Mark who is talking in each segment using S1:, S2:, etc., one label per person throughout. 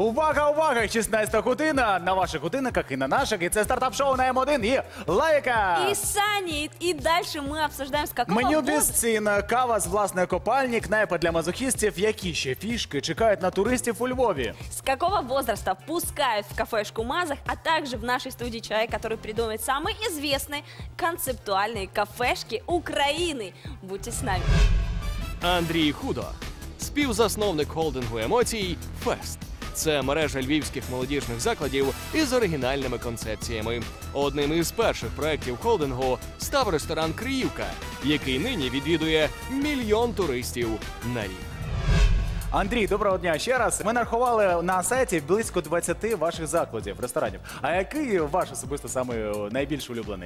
S1: Увага, увага! 16 година на ваших годинниках и на наших. И это стартап-шоу на М1 и Лайка.
S2: И Саня, и дальше мы обсуждаем, с какого
S1: Меню без
S2: возраста...
S1: цін, кава з власної копальні, кнайпа для мазохістів. Які ще фішки чекають на туристів у Львові?
S2: С какого возраста пускают в кафешку Мазах, а также в нашей студии человек, который придумает самые известные концептуальные кафешки Украины. Будьте с нами.
S3: Андрій Худо, співзасновник холдингу емоцій «Фест». Це мережа львівських молодіжних закладів із оригінальними концепціями. Одним із перших проєктів холдингу став ресторан «Криївка», який нині відвідує 1 мільйон туристів на рік.
S1: Андрій, доброго дня ще раз. Ми нарахували на сайті близько 20 ваших закладів, ресторанів. А який ваш особисто самий найбільш улюблений?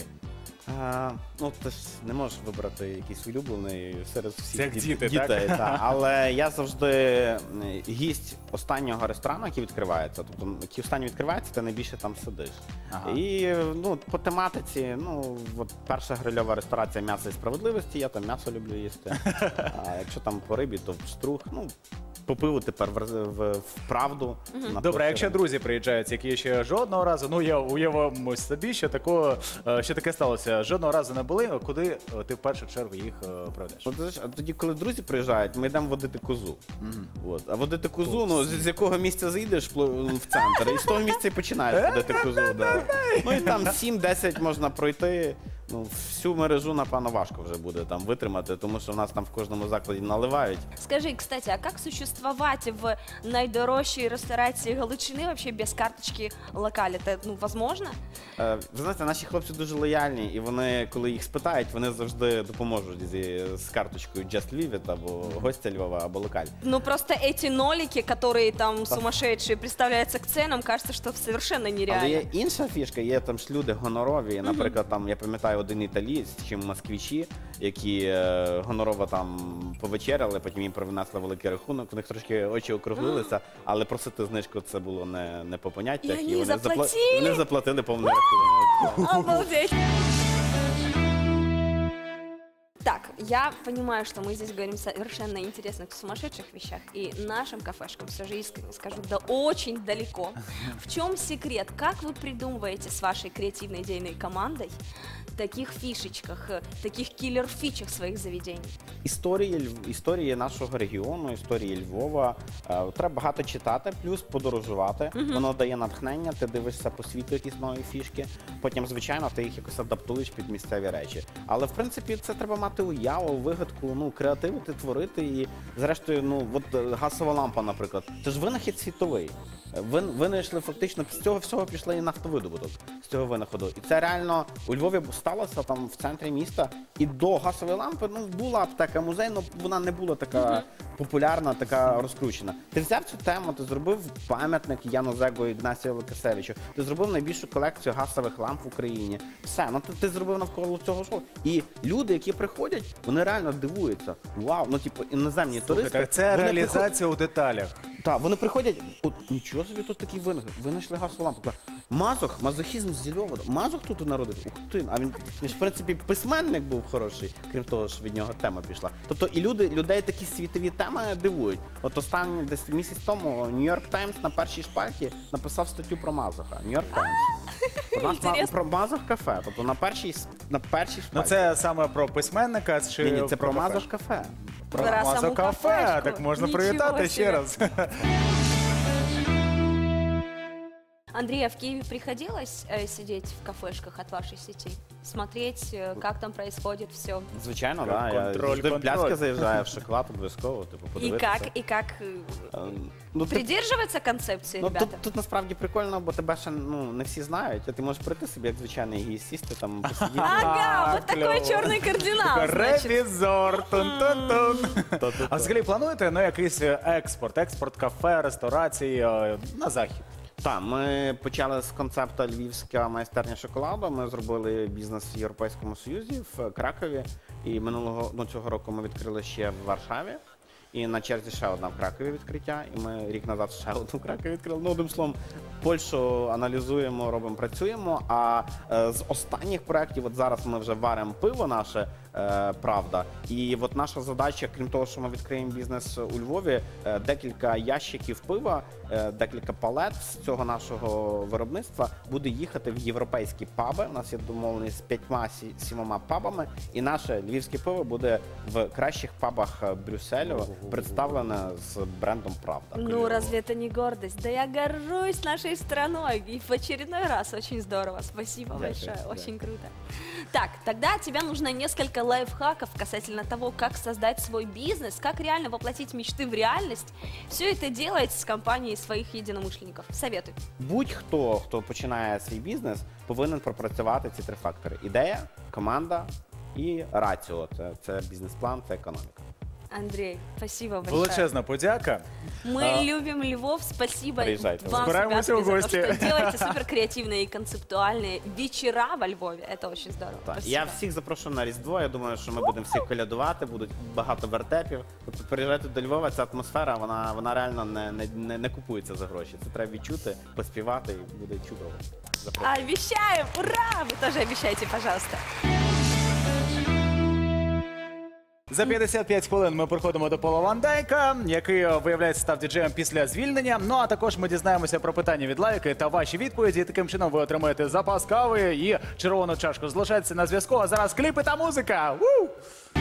S4: Ну, ти ж не можеш вибрати якийсь улюблений серед всіх
S1: Як діти,
S4: дітей.
S1: так?
S4: Так. Але я завжди гість останнього ресторану, який відкривається. Тобто, який останній відкривається, ти найбільше там сидиш.
S1: Ага.
S4: І ну, по тематиці, ну, от перша грильова ресторація «М'ясо і справедливості», я там м'ясо люблю їсти. А якщо там по рибі, то штрух. Ну, по пиву тепер в правду.
S1: Добре, а якщо друзі приїжджають, які ще жодного разу, ну я уявимо собі, що таке сталося. Жодного разу не були, куди ти в першу чергу їх проведеш?
S4: А тоді, коли друзі приїжджають, ми йдемо водити козу. От. А водити козу, ну, з якого місця заїдеш в центр, і з того місця і починаєш водити козу. Да. Ну і там 7-10 можна пройти. Ну, всю мережу, напевно, важко вже буде там витримати, тому що в нас там в кожному закладі наливають.
S2: Скажи, кстати, а как существовать в найдорожчей ресторации Галичини вообще без карточки локаль? Это, ну, возможно?
S4: Ви знаєте, наші хлопці дуже лояльні, і вони, коли їх спитають, вони завжди допоможуть з карточкою Just Leave It, або гостя Львова, або локаль.
S2: Ну, просто эти нолики, которые там сумасшедшие, представляются к ценам, кажется, что совершенно нереально.
S4: Але є інша фішка, є там ж люди гонорові, наприклад, там, я пам'ятаю, один італієць, чи москвичі, які гонорово там повечеряли, потім їм принесли великий рахунок, у них трошки очі округлилися, але просити знижку це було не по поняттях,
S2: І вони заплатили?
S4: Вони заплатили повний рахунок.
S2: Обалдеть! Так, я понимаю, что мы здесь говорим совершенно интересных, сумасшедших вещах, и нашим кафешкам, все же искренне скажу, да очень далеко. В чем секрет? Как вы придумываете с вашей креативной идейной командой таких фишечках, таких киллер-фичах своих заведений?
S4: Історії нашого регіону, історії Львова. Треба багато читати, плюс подорожувати. Воно дає натхнення, ти дивишся по світу якісь нові фішки. Потім, звичайно, ти їх якось адаптуєш під місцеві речі. Але, в принципі, це треба мати уяву, вигадку, ну, креативити, творити. І, зрештою, ну, от газова лампа, наприклад. Це ж винахід світовий. Винайшли фактично, з цього всього пішли і нафтовидобуток, з цього винаходу. І це реально у Львові сталося там в центрі міста. І до газової лампи, ну, була аптека, музей, але вона не була така популярна, така розкручена. Ти взяв цю тему, ти зробив пам'ятник Яну Зего і Ігнасію Лукасевичу, ти зробив найбільшу колекцію газових ламп в Україні. Все, ну ти зробив навколо цього шоу. І люди, які приходять, вони реально дивуються. Вау, ну, типу, іноземні туристи.
S1: Це реалізація у деталях.
S4: Так, вони приходять, от нічого собі тут такий винайшли газову лампу. Мазох, мазохізм з Львова. Мазох тут народив. Ух ти, а він ж, в принципі, письменник був хороший, крім того, що від нього тема пішла. Тобто і людей такі світові теми дивують. От останній десь місяць тому Нью-Йорк Таймс на першій шпальті написав статтю про Мазоха. Нью-Йорк Таймс. Про Мазох кафе. Тобто на першій шпальті.
S1: Ну це саме про письменника чи
S4: Ні, це про Мазох кафе.
S1: Про Мазох кафе, так можна привітати ще раз.
S2: Андрей, а в Киеве приходилось сидеть в кафешках от вашей сети? Смотреть, как там происходит все?
S4: Звичайно, так. Я завжди в пляцки заїжджаю, в шоколад обов'язково, типу, подивитися.
S2: И как придерживаться концепции, ребята?
S4: Тут насправді прикольно, бо тебе ще не всі знають, а ти можеш прийти собі як звичайний гість, сісти там, посидіти.
S2: Ага, вот такой черный кардинал, значит.
S1: Ревізор, тун-тун-тун. А взагалі плануєте якийсь експорт кафе, ресторацій на захід?
S4: Так, ми почали з концепту «Львівська майстерня шоколаду». Ми зробили бізнес в Європейському Союзі, в Кракові. І цього року ми відкрили ще в Варшаві. І на черзі ще одна в Кракові відкриття. І ми рік назад ще одну в Кракові відкрили. Ну, одним словом, Польщу аналізуємо, робимо, працюємо. А з останніх проєктів, от зараз ми вже варимо пиво наше, Правда. І от наша задача, крім того, що ми відкриємо бізнес у Львові, декілька ящиків пива, декілька палет з цього нашого виробництва буде їхати в європейські паби. У нас є домовленість з 5-7 пабами, і наше львівське пиво буде в кращих пабах Брюсселю представлене з брендом «Правда».
S2: Ну, разве это не гордость? Да я горжусь нашей страной. И в очередной раз очень здорово. Спасибо большое.
S4: Да.
S2: Очень круто. Так, тогда от тебя нужно несколько лайфхаков касательно того, как создать свой бизнес, как реально воплотить мечты в реальность. Все это делать с компанией своих единомышленников. Советуй.
S4: Будь-хто, хто починає свій бізнес, повинен пропрацювати ці 3 фактори: ідея, команда і раціо. Це бізнес-план, це економіка.
S2: Андрей, спасибо большое.
S1: Величезна подяка.
S2: Мы любим Львов. Спасибо
S4: Приезжайте.
S2: вам,
S1: Збираємося
S2: ребята,
S1: в
S2: за то,
S1: гости.
S2: что делаете суперкреативные и концептуальные вечера во Львове. Это очень здорово.
S4: Так.
S2: Спасибо.
S4: Я всіх запрошую на Різдво. Я думаю, що ми будемо всіх колядувати, будуть багато вертепів. Тобто приїжджайте до Львова, ця атмосфера, вона реально не купується за гроші. Це треба відчути, поспівати, і буде чудово. Запрошую.
S2: Обещаем! Ура! Вы тоже обещайте, пожалуйста.
S1: За 55 хвилин ми приходимо до Пола Ван Дайка, який, виявляється, став діджеєм після звільнення. Ну, а також ми дізнаємося про питання від лайки та ваші відповіді. Таким чином ви отримаєте запас кави і червону чашку. Залишайтеся на зв'язку, а зараз кліпи та музика! Ву!